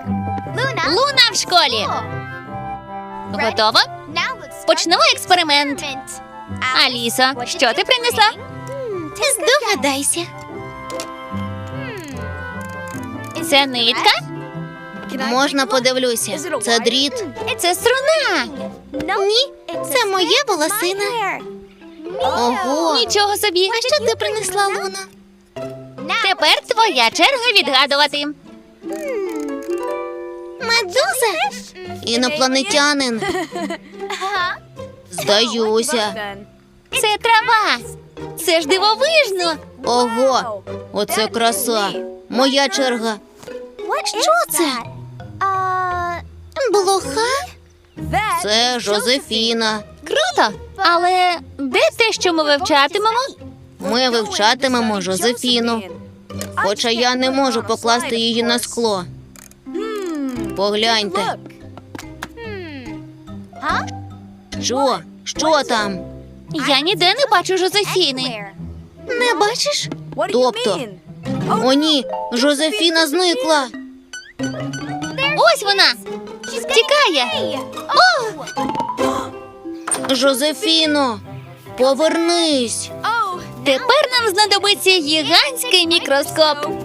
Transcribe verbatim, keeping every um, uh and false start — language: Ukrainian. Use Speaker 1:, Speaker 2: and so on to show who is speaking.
Speaker 1: Луна в школі. Готово? Почнемо експеримент. Алісо, що ти принесла? Здогадайся. Це нитка?
Speaker 2: Можна подивлюся. Це дріт.
Speaker 1: Це струна.
Speaker 2: Ні, це моя волосина. Ого.
Speaker 1: Нічого собі.
Speaker 2: А що ти принесла, Луна?
Speaker 1: Тепер твоя черга відгадувати.
Speaker 2: Медуза? Інопланетянин. Здаюся.
Speaker 1: Це трава. Це ж дивовижно.
Speaker 2: Ого, оце краса. Моя черга.
Speaker 1: Що це?
Speaker 2: Блоха? Це Жозефіна.
Speaker 1: Круто. Але де те, що ми вивчатимемо?
Speaker 2: Ми вивчатимемо Жозефіну. Хоча я не можу покласти її на скло. Погляньте. Що? Що там?
Speaker 1: Я ніде не бачу Жозефіни.
Speaker 2: Не бачиш? Тобто? О, ні, Жозефіна зникла.
Speaker 1: Ось вона. Тікає.
Speaker 2: Жозефіно, повернись.
Speaker 1: Тепер нам знадобиться гігантський мікроскоп.